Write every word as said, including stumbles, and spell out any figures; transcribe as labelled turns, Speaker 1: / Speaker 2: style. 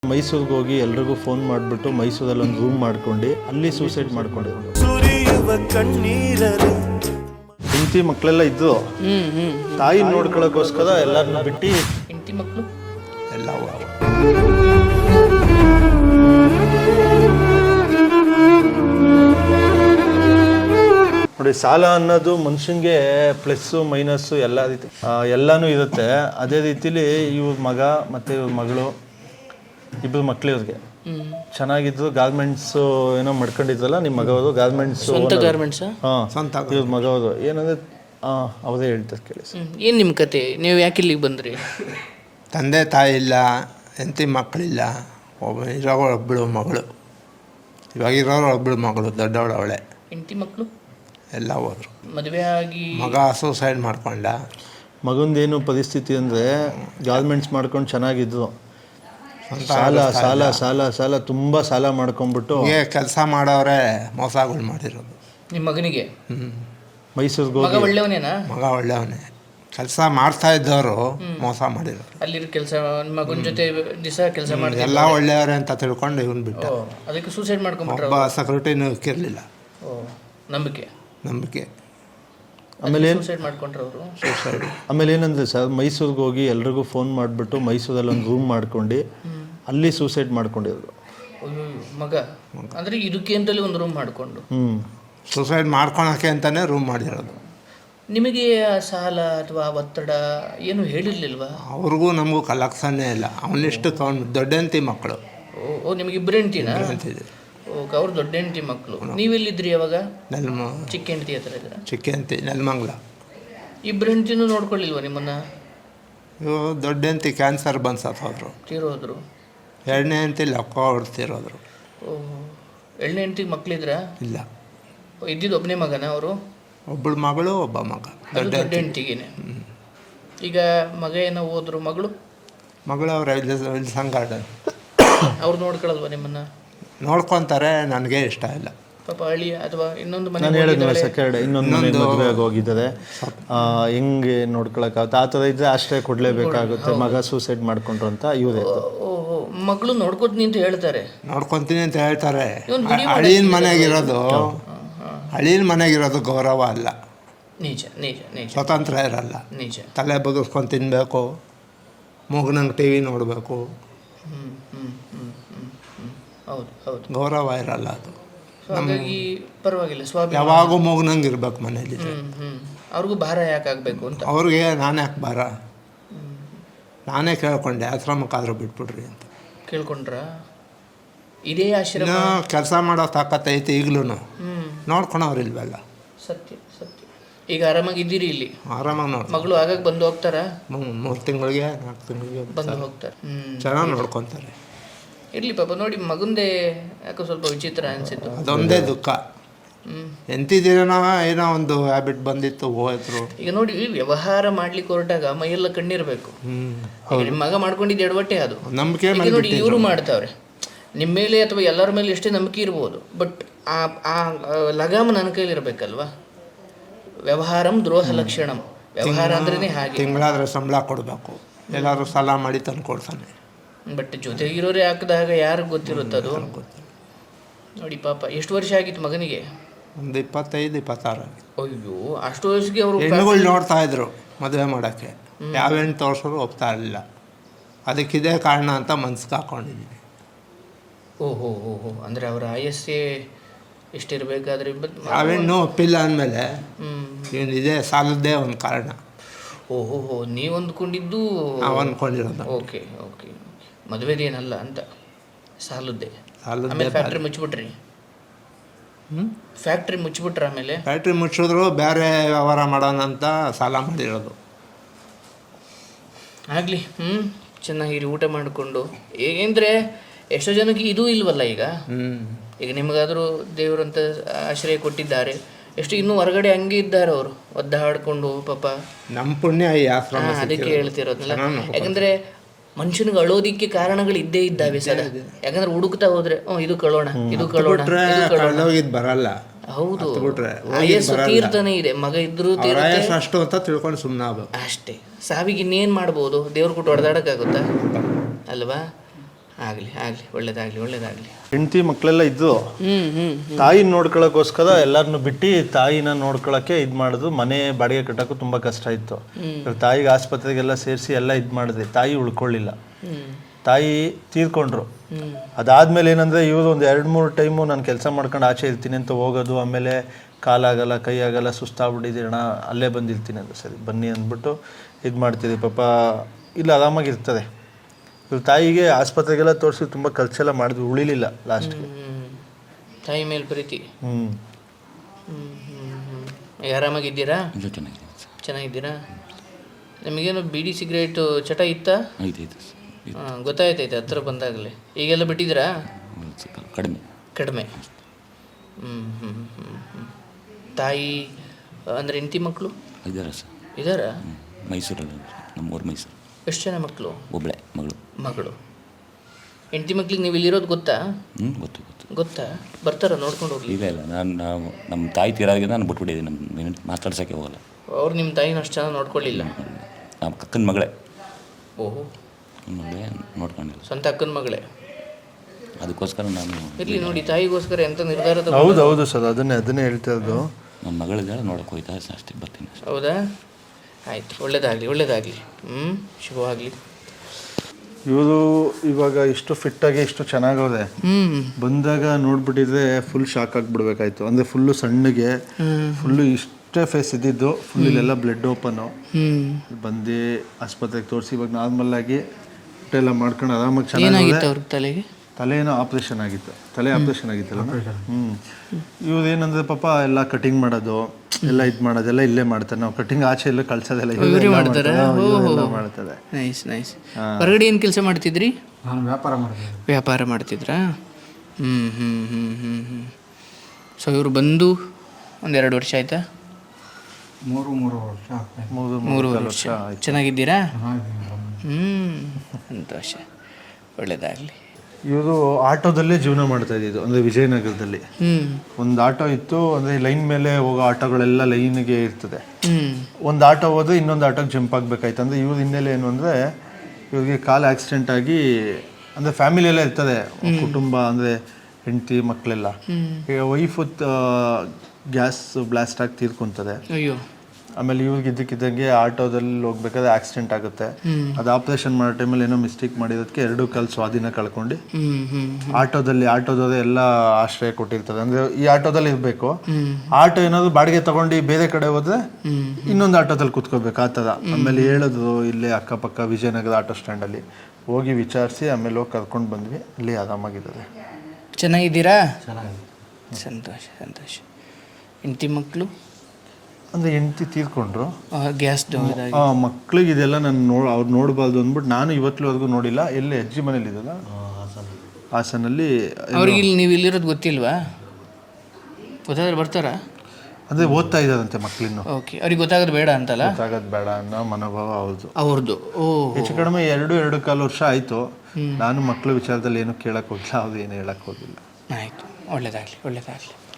Speaker 1: ಮೈಸೂರಿಗೆ ಹೋಗಿ ಎಲ್ರಿಗೂ ಫೋನ್ ಮಾಡಿಬಿಟ್ಟು ಮೈಸೂರಲ್ಲಿ ಒಂದು ರೂಮ್ ಮಾಡ್ಕೊಂಡು ಅಲ್ಲಿ ಸೂಸೈಡ್ ಮಾಡ್ಕೊಂಡಿದ್ರು. ಹೆಂಡತಿ ಮಕ್ಕಳೆಲ್ಲ ಇದ್ದು ತಾಯಿ ನೋಡ್ಕೊಳ್ಳೋಕ್ಕೋಸ್ಕರ ಎಲ್ಲರನ್ನ ಬಿಟ್ಟು
Speaker 2: ಹೆಂಡತಿ ಮಕ್ಕಳು
Speaker 3: ಎಲ್ಲ
Speaker 1: ನೋಡಿ, ಸಾಲ ಅನ್ನೋದು ಮನುಷ್ಯನಿಗೆ ಪ್ಲಸ್ಸು ಮೈನಸ್ಸು ಎಲ್ಲ ರೀತಿ ಎಲ್ಲನೂ ಇರುತ್ತೆ. ಅದೇ ರೀತಿಲಿ ಇವ್ರ ಮಗ ಮತ್ತು ಇವ್ರ ಮಗಳು ಇಬ್ಬರು ಮಕ್ಳು ಇವ್ರಿಗೆ ಚೆನ್ನಾಗಿದ್ರು. ಗಾರ್ಮೆಂಟ್ಸ್ ಏನೋ ಮಾಡ್ಕೊಂಡಿದ್ರಲ್ಲ ನಿಮ್ಮ ಮಗವರು, ಗಾರ್ಮೆಂಟ್ಸ್
Speaker 2: ಗಾರ್ಮೆಂಟ್ಸ್
Speaker 1: ಹಾಂ ಇವ್ರ ಮಗವರು ಏನಂದ್ರೆ ಅವರೇ ಹೇಳ್ತಾರೆ ಕೇಳಿ.
Speaker 2: ಏನು ನಿಮ್ಮ ಕತೆ? ನೀವು ಯಾಕೆ ಇಲ್ಲಿಗೆ ಬಂದ್ರಿ?
Speaker 3: ತಂದೆ ತಾಯಿ ಇಲ್ಲ, ಹೆಂಡತಿ ಮಕ್ಕಳಿಲ್ಲ, ಒಬ್ಬ ಇರೋಳು ಒಬ್ಬಳು ಮಗಳು, ಇವಾಗ ಇರೋರು ಒಬ್ಬಳು ಮಗಳು, ದೊಡ್ಡವಳು ಅವಳೆ.
Speaker 2: ಹೆಂಡತಿ ಮಕ್ಕಳು
Speaker 3: ಎಲ್ಲ ಹೋದ್ರು.
Speaker 2: ಮದುವೆ ಆಗಿ
Speaker 3: ಮಗ ಸೂಸೈಡ್ ಮಾಡ್ಕೊಂಡ.
Speaker 1: ಮಗಂದೇನು ಪರಿಸ್ಥಿತಿ ಅಂದರೆ ಗಾರ್ಮೆಂಟ್ಸ್ ಮಾಡ್ಕೊಂಡು ಚೆನ್ನಾಗಿದ್ರು, ಸಾಲ ಸಾಲ ಸಾಲ ಸಾಲ ತುಂಬ ಸಾಲ ಮಾಡ್ಕೊಂಡ್ಬಿಟ್ಟು
Speaker 3: ಕೆಲಸ ಮಾಡೋರೆ ಮೋಸಗಳು ಮಾಡಿರೋದು.
Speaker 2: ನಿಮ್ಮ ಮಗನಿಗೆ
Speaker 3: ಹ್ಞೂ
Speaker 1: ಮೈಸೂರಿಗೆ
Speaker 2: ಮಗ
Speaker 1: ಹೋಗಿ
Speaker 2: ಒಳ್ಳೆಯವನೇನಾ?
Speaker 3: ಮಗ ಒಳ್ಳೆಯವನೇ, ಕೆಲಸ ಮಾಡ್ತಾ ಇದ್ದವರು ಮೋಸ ಮಾಡಿರೋದು.
Speaker 2: ಅಲ್ಲಿರೋ ಕೆಲಸ ಮಗನ ಜೊತೆ ದಿವಸ ಕೆಲಸ ಮಾಡಿ
Speaker 3: ಎಲ್ಲ ಒಳ್ಳೆಯವರೇ ಅಂತ ತಿಳ್ಕೊಂಡು ಇವನು ಬಿಟ್ಟ.
Speaker 2: ಅದಕ್ಕೆ ಸೂಸೈಡ್ ಮಾಡ್ಕೊಂಡ್ಬಿಟ್ರೆ
Speaker 3: ಒಬ್ಬ ಸೆಕ್ಯೂರಿಟಿನೂ ಇಕ್ಕಿರಲಿಲ್ಲ,
Speaker 2: ಓ ನಂಬಿಕೆ
Speaker 3: ನಂಬಿಕೆ.
Speaker 1: ಆಮೇಲೆ ಏನು
Speaker 2: ಸೂಸೈಡ್ ಮಾಡ್ಕೊಂಡ್ರೆ ಅವರು
Speaker 3: ಸೂಸೈಡ್
Speaker 1: ಆಮೇಲೆ ಏನಂದರೆ ಸರ್, ಮೈಸೂರಿಗೆ ಹೋಗಿ ಎಲ್ರಿಗೂ ಫೋನ್ ಮಾಡಿಬಿಟ್ಟು ಮೈಸೂರಲ್ಲಿ ಒಂದು ರೂಮ್ ಮಾಡ್ಕೊಂಡು ಅಲ್ಲಿ ಸೂಸೈಡ್ ಮಾಡ್ಕೊಂಡಿದ್ರು.
Speaker 2: ಅಯ್ಯೋ ಮಗ ಅಂದರೆ ಇದಕ್ಕೆ ಅಂತಲೇ ಒಂದು ರೂಮ್ ಮಾಡಿಕೊಂಡು
Speaker 1: ಹ್ಞೂ
Speaker 3: ಸೂಸೈಡ್ ಮಾಡ್ಕೊಳಕ್ಕೆ ಅಂತಲೇ ರೂಮ್ ಮಾಡಿರೋದು.
Speaker 2: ನಿಮಗೆ ಸಾಲ ಅಥವಾ ಒತ್ತಡ ಏನು ಹೇಳಿರ್ಲಿಲ್ವಾ?
Speaker 3: ಅವ್ರಿಗೂ ನಮಗೂ ಕಲೆಕ್ಷನ್ನೇ ಇಲ್ಲ. ಅವನಿಷ್ಟು ತೊಗೊಂಡು ದೊಡ್ಡ ಹೆಂಡತಿ ಮಕ್ಕಳು
Speaker 2: ಓ ಓ ನಿಮಗೆ ಇಬ್ಬರು ಹೆಂಡ್ತಿನಾ?
Speaker 3: ಅಂತಿದ್ರು.
Speaker 2: ಓಕೆ, ಅವ್ರು ದೊಡ್ಡ ಹೆಂಡತಿ ಮಕ್ಕಳು. ನೀವೆಲ್ಲಿದ್ರಿ ಅವಾಗ?
Speaker 3: ನೆಲ್ಮ
Speaker 2: ಚಿಕ್ಕ ಹೆಂಡತಿ ಹತ್ರ ಇದ್ರ?
Speaker 3: ಚಿಕ್ಕ ಹೆಂಡತಿ ನೆಲಮಂಗ್ಲ.
Speaker 2: ಇಬ್ಬರು ಹೆಂಡ್ತಿನೂ ನೋಡ್ಕೊಳ್ಳಿಲ್ವಾ ನಿಮ್ಮನ್ನ?
Speaker 3: ಇವು ದೊಡ್ಡ ಹೆಂಡತಿ ಕ್ಯಾನ್ಸರ್ ಬಂದು ಸತ್ತೋದ್ರು.
Speaker 2: ತೀರೋದ್ರು.
Speaker 3: ಎರಡನೇ ಹೆಂಡತಿ ಲಕ್ಕ ಹೊಡ್ತಿರೋದ್ರು.
Speaker 2: ಓಹ್, ಎರಡನೇ ಹೆಂಡ್ತಿಗೆ ಮಕ್ಕಳಿದ್ರ?
Speaker 3: ಇಲ್ಲ,
Speaker 2: ಇದ್ದಿದ್ದು ಒಬ್ಬನೇ ಮಗನ ಅವರು?
Speaker 3: ಒಬ್ಬಳು ಮಗಳು, ಒಬ್ಬ ಮಗ.
Speaker 2: ದೊಡ್ಡ ದೊಡ್ಡ ಹೆಂಡ್ತಿಗೇನೆ. ಈಗ ಮಗ ಏನೋ ಹೋದ್ರು, ಮಗಳು
Speaker 3: ಮಗಳು ಅವ್ರ ವಿಲ್ಸನ್ ಗಾರ್ಡನ್.
Speaker 2: ಅವ್ರು ನೋಡ್ಕೊಳ್ಳಲ್ವಾ ನಿಮ್ಮನ್ನ?
Speaker 3: ನೋಡ್ಕೊತಾರೆ, ನನಗೆ ಇಷ್ಟ ಇಲ್ಲ.
Speaker 2: ಪಾಪ ಹಳ್ಳಿ ಅಥವಾ ಇನ್ನೊಂದು ಮನೆ
Speaker 1: ನಾನು ಹೇಳಿದ್ನಲ್ಲ ಸೆಕೆಂಡ್ ಇನ್ನೊಂದು ಮನೆ ಮದುವೆ ಆಗಿ ಹೋಗಿದ್ದಾರೆ, ಹೆಂಗೆ ನೋಡ್ಕೊಳಕ್ಕಾಗುತ್ತೆ? ಆ ಥರ ಇದ್ದರೆ ಆಶ್ರಯ ಕೊಡಲೇಬೇಕಾಗುತ್ತೆ. ಮಗ ಸೂಸೈಡ್ ಮಾಡ್ಕೊಂಡ್ರು ಅಂತ ಇವರೇ.
Speaker 2: ಓಹೋ, ಮಗಳು ನೋಡ್ಕೊತೀನಿ ಅಂತ ಹೇಳ್ತಾರೆ.
Speaker 3: ನೋಡ್ಕೊತೀನಿ ಅಂತ ಹೇಳ್ತಾರೆ. ಹಳ್ಳಿನ ಮನೆಗಿರೋದು ಹಳ್ಳಿನ ಮನೆಗಿರೋದು ಗೌರವ ಅಲ್ಲ.
Speaker 2: ನಿಜ ನಿಜ ನಿಜ.
Speaker 3: ಸ್ವತಂತ್ರ ಇರಲ್ಲ.
Speaker 2: ನಿಜ.
Speaker 3: ತಲೆ ಬಗ್ಗಿಸ್ಕೊಂಡು ತಿನ್ನಬೇಕು, ಮೂಗ್ನಂಗೆ ಟಿ ವಿ ನೋಡಬೇಕು.
Speaker 2: ಹ್ಞೂ ಹ್ಞೂ ಹ್ಞೂ ಹ್ಞೂ ಹ್ಞೂ ಹೌದು ಹೌದು.
Speaker 3: ಗೌರವ ಇರಲ್ಲ ಅದು.
Speaker 2: ಹಾಗಾಗಿ ಪರವಾಗಿಲ್ಲ, ಸ್ವಾಭಿ
Speaker 3: ಯಾವಾಗೂ ಮೂಗ್ನಂಗೆ ಇರ್ಬೇಕು ಮನೇಲಿ.
Speaker 2: ಹ್ಞೂ ಹ್ಞೂ ಅವ್ರಿಗೂ ಭಾರ ಯಾಕಾಗಬೇಕು ಅಂತ.
Speaker 3: ಅವ್ರಿಗೆ ನಾನೇ ಯಾಕೆ ಭಾರ? ನಾನೇ ಕೇಳ್ಕೊಂಡೆ ಆಶ್ರಮಕ್ಕಾದ್ರೂ ಬಿಟ್ಬಿಡ್ರಿ ಅಂತ.
Speaker 2: ಕೇಳ್ಕೊಂಡ್ರ? ಇದೇ ಆಶ್ರಮ
Speaker 3: ಇನ್ನೂ ಕೆಲಸ ಮಾಡೋ ತಾಕತ್ತೈತಿ ಈಗಲೂ.
Speaker 2: ಹ್ಞೂ
Speaker 3: ನೋಡ್ಕೊಳವ್ರಿಲ್ವಲ್ಲ.
Speaker 2: ಸತ್ಯ ಸತ್ಯ. ಈಗ ಆರಾಮಾಗಿ ಇದ್ದೀರಿ ಇಲ್ಲಿ?
Speaker 3: ಆರಾಮಾಗಿ ನೋಡಿ.
Speaker 2: ಮಗಳು ಆಗಾಗ ಬಂದು ಹೋಗ್ತಾರಾ?
Speaker 3: ಮೂರು ತಿಂಗಳಿಗೆ ನಾಲ್ಕು ತಿಂಗಳಿಗೆ
Speaker 2: ಬಂದು ಹೋಗ್ತಾರೆ. ಹ್ಞೂ
Speaker 3: ಚೆನ್ನಾಗಿ ನೋಡ್ಕೊತಾರೆ.
Speaker 2: ಇರಲಿ ಪಾಪ. ನೋಡಿ ಮಗುಂದೇ ಯಾಕೋ ಸ್ವಲ್ಪ ವಿಚಿತ್ರ ಅನಿಸಿತ್ತು.
Speaker 3: ಅದೊಂದೇ ದುಃಖ.
Speaker 2: ಹ್ಞೂ
Speaker 3: ಎಂತಿದ್ದೀರೇನೋ ಏನೋ ಒಂದು ಹ್ಯಾಬಿಟ್ ಬಂದಿತ್ತು, ಹೋಯ್ತು.
Speaker 2: ಈಗ ನೋಡಿ, ವ್ಯವಹಾರ ಮಾಡ್ಲಿಕ್ಕೆ ಹೊರಟಾಗ ಮೈಯೆಲ್ಲ ಕಣ್ಣಿರ್ಬೇಕು.
Speaker 3: ಹ್ಞೂ
Speaker 2: ನಿಮ್ಮ ಮಗ ಮಾಡ್ಕೊಂಡಿದ್ದು ಎಡವಟ್ಟೆ ಅದು.
Speaker 3: ನಂಬಿಕೆ
Speaker 2: ಈಗ
Speaker 3: ಮೇಲೆ
Speaker 2: ನೋಡಿ ಇವರು ಮಾಡ್ತಾವ್ರೆ ನಿಮ್ಮ ಮೇಲೆ ಅಥವಾ ಎಲ್ಲರ ಮೇಲೆ ಎಷ್ಟೇ ನಂಬಿಕೆ ಇರ್ಬೋದು, ಬಟ್ ಆ ಆ ಲಗಾಮ ನನ್ನ ಕೈಲಿ ಇರಬೇಕಲ್ವಾ? ವ್ಯವಹಾರಂ ದ್ರೋಹ ಲಕ್ಷಣಂ. ವ್ಯವಹಾರ ಅಂದ್ರೇ ಹಾಗೆ.
Speaker 3: ತಿಂಗಳಾದ್ರೆ ಸಂಬಳ ಕೊಡಬೇಕು, ಎಲ್ಲಾದ್ರೂ ಸಾಲ ಮಾಡಿ ತಂದು ಕೊಡ್ತಾನೆ.
Speaker 2: ಬಟ್ ಜೊತೆಗಿರೋರೇ ಹಾಕಿದಾಗ ಯಾರಿಗೆ ಗೊತ್ತಿರುತ್ತದು? ನೋಡಿ ಪಾಪ. ಎಷ್ಟು ವರ್ಷ ಆಗಿತ್ತು ಮಗನಿಗೆ?
Speaker 3: ಒಂದು ಇಪ್ಪತ್ತೈದು ಇಪ್ಪತ್ತಾರು.
Speaker 2: ಅಯ್ಯೋ, ಅಷ್ಟು ವಯಸ್ಸಿಗೆ ಅವರು
Speaker 3: ಹೆಣ್ಣುಗಳು ನೋಡ್ತಾ ಇದ್ರು ಮದುವೆ ಮಾಡೋಕ್ಕೆ. ಯಾವ ಹೆಣ್ಣು ತೋರಿಸೋರು ಒಪ್ತಾ ಇರಲಿಲ್ಲ. ಅದಕ್ಕಿದೇ ಕಾರಣ ಅಂತ ಮನ್ಸಿಗೆ ಹಾಕೊಂಡಿದ್ದೀನಿ.
Speaker 2: ಓಹೋ ಹೋ ಹೋ ಅಂದರೆ ಅವರ ಆಯಸ್ಸೇ ಎಷ್ಟಿರಬೇಕಾದ್ರೆ
Speaker 3: ಯಾವ ಹೆಣ್ಣು ಒಪ್ಪಿಲ್ಲ ಅಂದಮೇಲೆ
Speaker 2: ಹ್ಞೂ
Speaker 3: ಇವನು ಇದೇ ಸಾಲದ್ದೇ ಒಂದು ಕಾರಣ.
Speaker 2: ಓಹೋ ಹೋ ನೀವು ಅಂದ್ಕೊಂಡಿದ್ದು
Speaker 3: ನಾವು ಅಂದ್ಕೊಂಡಿರೋದು.
Speaker 2: Okay okay. ಮದುವೆದೇನಲ್ಲ ಅಂತ, ಸಾಲದ್ದೇ.
Speaker 3: ಸಾಲದ್ದೇ.
Speaker 2: ಆಮೇಲೆ ಫ್ಯಾಕ್ಟ್ರಿ ಮುಚ್ಚಿಬಿಟ್ರಿ?
Speaker 3: ಹ್ಞೂ
Speaker 2: ಫ್ಯಾಕ್ಟ್ರಿ ಮುಚ್ಚಿಬಿಟ್ರೆ ಆಮೇಲೆ?
Speaker 3: ಫ್ಯಾಕ್ಟ್ರಿ ಮುಚ್ಚಿದ್ರು ಬೇರೆ ವ್ಯವಹಾರ ಮಾಡೋಣ ಅಂತ ಸಾಲ ಮಾಡಿರೋದು.
Speaker 2: ಆಗಲಿ. ಹ್ಞೂ ಚೆನ್ನಾಗಿರಿ, ಊಟ ಮಾಡಿಕೊಂಡು. ಏಕೆಂದರೆ ಎಷ್ಟೋ ಜನಕ್ಕೆ ಇದೂ ಇಲ್ವಲ್ಲ ಈಗ.
Speaker 3: ಹ್ಞೂ
Speaker 2: ಈಗ ನಿಮಗಾದರೂ ದೇವರಂತ ಆಶ್ರಯ ಕೊಟ್ಟಿದ್ದಾರೆ. ಎಷ್ಟು ಇನ್ನೂ ಹೊರಗಡೆ ಹಂಗೆ ಇದ್ದಾರೆ ಅವರು, ಒದ್ದಾಡ್ಕೊಂಡು ಪಾಪ.
Speaker 3: ನಮ್ಮ ಪುಣ್ಯ ಈ ಆಶ್ರಮ.
Speaker 2: ಅದಕ್ಕೆ ಹೇಳ್ತಿರೋದಲ್ಲ. ಯಾಕಂದರೆ ಮನುಷ್ಯನಿಗೆ ಅಳೋದಿಕ್ಕೆ ಕಾರಣಗಳು ಇದ್ದೇ ಇದ್ದಾವೆ ಸದಾ. ಯಾಕಂದ್ರೆ ಹುಡುಕ್ತಾ ಹೋದ್ರೆ ಹ್ಞೂ ಇದು ಕಳೋಣ ಇದು ಕಳೋಣ
Speaker 3: ಕಳೆದೋಗಿದ್ದು ಬರಲ್ಲ.
Speaker 2: ಹೌದು, ಆಯಸ್ಸು ತೀರ್ತಾನೆ ಇದೆ. ಮಗ ಇದ್ರೂ
Speaker 3: ಅಷ್ಟು ಅಂತ ತಿಳ್ಕೊಂಡು ಸುಮ್ಮನೆ ಆಗ್ಬೇಕು
Speaker 2: ಅಷ್ಟೇ. ಸಾವಿಗೆ ಇನ್ನೇನು ಮಾಡ್ಬೋದು? ದೇವ್ರ ಕೊಟ್ಟು ಹೊಡೆದಾಡಕ್ಕಾಗುತ್ತಾ ಅಲ್ವಾ? ಆಗಲಿ ಆಗಲಿ ಒಳ್ಳೇದಾಗಲಿ ಒಳ್ಳೇದಾಗಲಿ.
Speaker 1: ಹೆಂಡತಿ ಮಕ್ಕಳೆಲ್ಲ ಇದ್ದು
Speaker 2: ಹ್ಞೂ ಹ್ಞೂ
Speaker 1: ತಾಯಿನ ನೋಡ್ಕೊಳ್ಳೋಕ್ಕೋಸ್ಕರ ಎಲ್ಲರನ್ನು ಬಿಟ್ಟು ತಾಯಿನ ನೋಡ್ಕೊಳ್ಳೋಕ್ಕೆ ಇದು ಮಾಡೋದು. ಮನೆ ಬಾಡಿಗೆ ಕಟ್ಟೋಕ್ಕೂ ತುಂಬ ಕಷ್ಟ ಇತ್ತು. ಇವಾಗ ತಾಯಿಗೆ ಆಸ್ಪತ್ರೆಗೆಲ್ಲ ಸೇರಿಸಿ ಎಲ್ಲ ಇದು ಮಾಡಿದ್ವಿ, ತಾಯಿ ಉಳ್ಕೊಳ್ಳಿಲ್ಲ. ತಾಯಿ ತೀರ್ಕೊಂಡ್ರು. ಅದಾದ್ಮೇಲೆ ಏನಂದರೆ ಇವರು ಒಂದು ಎರಡು ಮೂರು ಟೈಮು ನಾನು ಕೆಲಸ ಮಾಡ್ಕೊಂಡು ಆಚೆ ಇರ್ತೀನಿ ಅಂತ ಹೋಗೋದು, ಆಮೇಲೆ ಕಾಲಾಗಲ್ಲ ಕೈ ಆಗಲ್ಲ ಸುಸ್ತಾಗ್ಬಿಟ್ಟಿದೆ ಅಣ್ಣ ಅಲ್ಲೇ ಬಂದಿರ್ತೀನಿ ಅಂತ. ಸರಿ ಬನ್ನಿ ಅಂದ್ಬಿಟ್ಟು ಇದು ಮಾಡ್ತೀರಿ ಪಾಪ, ಇಲ್ಲ ಆರಾಮಾಗಿರ್ತದೆ. ಇವ್ರ ತಾಯಿಗೆ ಆಸ್ಪತ್ರೆಗೆಲ್ಲ ತೋರಿಸಿ ತುಂಬ ಖರ್ಚೆಲ್ಲ ಮಾಡಿದ್ವಿ, ಉಳಿಲಿಲ್ಲ ಲಾಸ್ಟ್ಗೆ.
Speaker 2: ತಾಯಿ ಮೇಲೆ ಪ್ರೀತಿ.
Speaker 1: ಹ್ಞೂ
Speaker 2: ಹ್ಞೂ ಹ್ಞೂ ಹ್ಞೂ ಆರಾಮಾಗಿದ್ದೀರಾ? ಚೆನ್ನಾಗಿದ್ದೀರಾ? ನಿಮಗೇನು ಬೀಡಿ ಸಿಗರೇಟು ಚಟ ಇತ್ತಾ? ಹಾಂ ಗೊತ್ತಾಯ್ತೈತೆ ಹತ್ರ ಬಂದಾಗಲೇ. ಈಗೆಲ್ಲ ಬಿಟ್ಟಿದ್ದೀರಾ?
Speaker 4: ಕಡಿಮೆ
Speaker 2: ಕಡಿಮೆ. ಹ್ಞೂ ಹ್ಞೂ ಹ್ಞೂ ಹ್ಞೂ ತಾಯಿ ಅಂದರೆ ಹೆಂಡತಿ ಮಕ್ಕಳು
Speaker 4: ಇದ್ದಾರಾ ಸರ್?
Speaker 2: ಇದ್ದಾರಾ?
Speaker 4: ಮೈಸೂರಲ್ಲಿ, ನಮ್ಮೂರು ಮೈಸೂರು.
Speaker 2: ಎಷ್ಟು ಜನ ಮಕ್ಕಳು?
Speaker 4: ಒಬ್ಬಳೆ ಮಗಳು.
Speaker 2: ಮಗಳು. ಹೆಂಡತಿ ಮಕ್ಳಿಗೆ ನೀವು ಇಲ್ಲಿರೋದು ಗೊತ್ತಾ?
Speaker 4: ಹ್ಞೂ ಗೊತ್ತು ಗೊತ್ತು.
Speaker 2: ಗೊತ್ತಾ? ಬರ್ತಾರ ನೋಡ್ಕೊಂಡು ಹೋಗ್ಲಿ?
Speaker 4: ಇಲ್ಲ ಇಲ್ಲ, ನಾನು ನಾವು ನಮ್ಮ ತಾಯಿ ತೀರಾಗಿ ನಾನು ಬಿಟ್ಬಿಟ್ಟಿದ್ದೀನಿ. ನಮ್ಮ ಮಾತಾಡ್ಸೋಕ್ಕೆ ಹೋಗಲ್ಲ.
Speaker 2: ಅವ್ರು ನಿಮ್ಮ ತಾಯಿನ ಅಷ್ಟು ಚೆನ್ನಾಗಿ ನೋಡ್ಕೊಳ್ಳಿಲ್ಲ?
Speaker 4: ನಮ್ಮ ಅಕ್ಕನ ಮಗಳೇ.
Speaker 2: ಓಹೋ,
Speaker 4: ಮಗಳೇ ನೋಡ್ಕೊಂಡಿಲ್ಲ.
Speaker 2: ಸ್ವಂತ ಅಕ್ಕನ ಮಗಳೇ.
Speaker 4: ಅದಕ್ಕೋಸ್ಕರ ನಾನು
Speaker 2: ಇರಲಿ ನೋಡಿ, ತಾಯಿಗೋಸ್ಕರ ಎಂಥ ನಿರ್ಧಾರ ತಗೊಂಡು.
Speaker 1: ಹೌದು ಹೌದು ಸರ್, ಅದನ್ನೇ ಅದನ್ನೇ ಹೇಳ್ತಾ ಇರೋದು.
Speaker 4: ನಮ್ಮ ಮಗಳಿದ್ದಾಳೆ, ನೋಡೋಕೆ ಹೋಯ್ತಾ ಅಷ್ಟೇ, ಬರ್ತೀನಿ.
Speaker 2: ಹೌದಾ? ಆಯ್ತು, ಒಳ್ಳೇದಾಗಲಿ ಒಳ್ಳೇದಾಗಲಿ. ಹ್ಞೂ ಶುಭವಾಗಲಿ.
Speaker 1: ಇವರು ಇವಾಗ ಇಷ್ಟು ಫಿಟ್ಟಾಗಿ ಇಷ್ಟು ಚೆನ್ನಾಗವ್ರೆ.
Speaker 2: ಹ್ಞೂ
Speaker 1: ಬಂದಾಗ ನೋಡ್ಬಿಟ್ಟಿದ್ರೆ ಫುಲ್ ಶಾಕ್ ಆಗಿಬಿಡ್ಬೇಕಾಯ್ತು. ಅಂದರೆ ಫುಲ್ಲು ಸಣ್ಣಗೆ ಫುಲ್ಲು ಇಷ್ಟೇ ಫೇಸ್ ಇದ್ದಿದ್ದು, ಫುಲ್ ಇಲ್ಲೆಲ್ಲ ಬ್ಲಡ್ ಓಪನು. ಬಂದು ಆಸ್ಪತ್ರೆಗೆ ತೋರಿಸಿ ಇವಾಗ ನಾರ್ಮಲ್ ಆಗಿ ಊಟ ಎಲ್ಲ ಮಾಡ್ಕೊಂಡು ಆರಾಮಾಗಿ ಚೆನ್ನಾಗಿ.
Speaker 2: ಅವ್ರ ತಲೆಗೆ
Speaker 1: ತಲೆನೋ ಆಪ್ರೇಷನ್ ಆಗಿತ್ತು, ತಲೆ ಆಪ್ರೇಷನ್ ಆಗಿತ್ತಲ್ಲ. ಹ್ಞೂ ಇವ್ರು ಏನಂದ್ರೆ ಪಾಪ ಎಲ್ಲ ಕಟಿಂಗ್ ಮಾಡೋದು ಎಲ್ಲ ಇದು ಮಾಡೋದೆಲ್ಲ ಇಲ್ಲೇ ಮಾಡ್ತಾರೆ. ನಾವು ಕಟಿಂಗ್ ಆಚೆ ಎಲ್ಲ ಕಳ್ಸೋದೆಲ್ಲ ಮಾಡ್ತಾರೆ.
Speaker 2: Nice nice. ಹೊರಗಡೆ ಏನು ಕೆಲಸ ಮಾಡ್ತಿದ್ರಿ?
Speaker 5: ನಾನು ವ್ಯಾಪಾರ ಮಾಡಿದೆ.
Speaker 2: ವ್ಯಾಪಾರ ಮಾಡ್ತಿದ್ರಾ? ಹ್ಞೂ ಹ್ಞೂ ಹ್ಞೂ ಹ್ಞೂ ಹ್ಞೂ ಸೊ ಇವರು ಬಂದು ಒಂದೆರಡು ವರ್ಷ ಆಯ್ತಾ?
Speaker 5: ಮೂರು ಮೂರು ವರ್ಷ
Speaker 1: ಮೂರು
Speaker 2: ಮೂರುವರೆ ವರ್ಷ. ಚೆನ್ನಾಗಿದ್ದೀರಾ?
Speaker 5: ಚೆನ್ನಾಗಿ.
Speaker 2: ಹ್ಞೂ ಸಂತೋಷ, ಒಳ್ಳೇದಾಗಲಿ.
Speaker 1: ಇವರು ಆಟೋದಲ್ಲೇ ಜೀವನ ಮಾಡ್ತಾ ಇದ್ದಿದ್ದು. ಅಂದರೆ ವಿಜಯನಗರದಲ್ಲಿ
Speaker 2: ಹ್ಞೂ
Speaker 1: ಒಂದು ಆಟೋ ಇತ್ತು. ಅಂದರೆ ಲೈನ್ ಮೇಲೆ ಹೋಗೋ ಆಟೋಗಳೆಲ್ಲ ಲೈನ್ಗೆ ಇರ್ತದೆ.
Speaker 2: ಹ್ಞೂ
Speaker 1: ಒಂದು ಆಟೋ ಹೋದ್ರೆ ಇನ್ನೊಂದು ಆಟೋಗೆ ಜಂಪ್ ಆಗಬೇಕಾಯ್ತು. ಅಂದರೆ ಇವ್ರ ಹಿನ್ನೆಲೆ ಏನು ಅಂದರೆ ಇವ್ರಿಗೆ ಕಾಲು ಆಕ್ಸಿಡೆಂಟ್ ಆಗಿ, ಅಂದರೆ ಫ್ಯಾಮಿಲಿಯೆಲ್ಲ ಇರ್ತದೆ, ಕುಟುಂಬ ಅಂದರೆ ಹೆಂಡತಿ ಮಕ್ಕಳೆಲ್ಲ. ಈಗ ವೈಫು ಗ್ಯಾಸ್ ಬ್ಲಾಸ್ಟ್ ಆಗಿ ತೀರ್ಕೊಂತದೆ.
Speaker 2: ಅಯ್ಯೋ.
Speaker 1: ಆಮೇಲೆ ಇವ್ರಿಗೆ ಇದ್ದಕ್ಕಿದ್ದಂಗೆ ಆಟೋದಲ್ಲಿ ಹೋಗ್ಬೇಕಾದ್ರೆ ಆಕ್ಸಿಡೆಂಟ್ ಆಗುತ್ತೆ. ಅದು ಆಪ್ರೇಷನ್ ಮಾಡೋ ಟೈಮಲ್ಲಿ ಏನೋ ಮಿಸ್ಟೇಕ್ ಮಾಡಿರೋದಕ್ಕೆ ಎರಡು ಕಾಲು ಸ್ವಾಧೀನ ಕಳ್ಕೊಂಡು ಆಟೋದಲ್ಲಿ ಆಟೋದವ್ರೆ ಎಲ್ಲ ಆಶ್ರಯ ಕೊಟ್ಟಿರ್ತದೆ. ಅಂದರೆ ಈ ಆಟೋದಲ್ಲಿ ಇರಬೇಕು. ಆಟೋ ಏನಾದ್ರು ಬಾಡಿಗೆ ತಗೊಂಡು ಬೇರೆ ಕಡೆ ಹೋದ್ರೆ ಇನ್ನೊಂದು ಆಟೋದಲ್ಲಿ ಕುತ್ಕೋಬೇಕು, ಆ ಥರ. ಆಮೇಲೆ ಹೇಳಿದ್ರು ಇಲ್ಲೇ ಅಕ್ಕಪಕ್ಕ ವಿಜಯನಗರ ಆಟೋ ಸ್ಟ್ಯಾಂಡಲ್ಲಿ ಹೋಗಿ ವಿಚಾರಿಸಿ ಆಮೇಲೆ ಹೋಗಿ ಕರ್ಕೊಂಡು ಬಂದ್ವಿ. ಅಲ್ಲಿ ಆರಾಮಾಗಿದ್ದಾರೆ.
Speaker 2: ಚೆನ್ನಾಗಿದ್ದೀರಾ?
Speaker 5: ಚೆನ್ನಾಗಿ.
Speaker 2: ಸಂತೋಷ ಸಂತೋಷ. ಹೆಂಡತಿ ಮಕ್ಕಳು?
Speaker 1: ಅಂದರೆ ಹೆಂಡತಿ ತೀರ್ಕೊಂಡ್ರು.
Speaker 2: ಗ್ಯಾಸ್
Speaker 1: ಮಕ್ಳಿಗೆ ಇದೆಲ್ಲ ನಾನು ನೋ ಅವ್ರು ನೋಡಬಾರ್ದು ಅಂದ್ಬಿಟ್ಟು ನಾನು ಇವತ್ತುವರೆಗೂ ನೋಡಿಲ್ಲ. ಎಲ್ಲಿ ಅಜ್ಜಿ ಮನೇಲಿ ಇದೆಯಲ್ಲ ಹಾಸನಲ್ಲಿ.
Speaker 2: ಅವ್ರಿಗೆ ಇಲ್ಲಿ ನೀವು ಇಲ್ಲಿರೋದು ಗೊತ್ತಿಲ್ವಾ? ಗೊತ್ತಾದ್ರೆ ಬರ್ತಾರಾ?
Speaker 1: ಅಂದರೆ ಓದ್ತಾ ಇದ್ದಾರಂತೆ ಮಕ್ಳಿನ್ನು.
Speaker 2: ಓಕೆ, ಅವ್ರಿಗೆ ಗೊತ್ತಾಗೋದು ಬೇಡ ಅಂತಲ್ಲ?
Speaker 1: ಗೊತ್ತಾಗೋದು ಬೇಡ ಅನ್ನೋ ಮನೋಭಾವ ಅವ್ರದ್ದು.
Speaker 2: ಅವ್ರದ್ದು. ಓ,
Speaker 1: ಹೆಚ್ಚು ಕಡಿಮೆ ಎರಡು ಎರಡು ಕಾಲು ವರ್ಷ ಆಯಿತು. ನಾನು ಮಕ್ಕಳ ವಿಚಾರದಲ್ಲಿ ಏನೂ ಕೇಳಕ್ಕೆ ಹೋಗಿಲ್ಲ, ಅವ್ರು ಏನು ಹೇಳಕ್ಕೆ ಹೋಗಿಲ್ಲ.
Speaker 2: ಆಯಿತು, ಒಳ್ಳೇದಾಗಲಿ ಒಳ್ಳೇದಾಗಲಿ.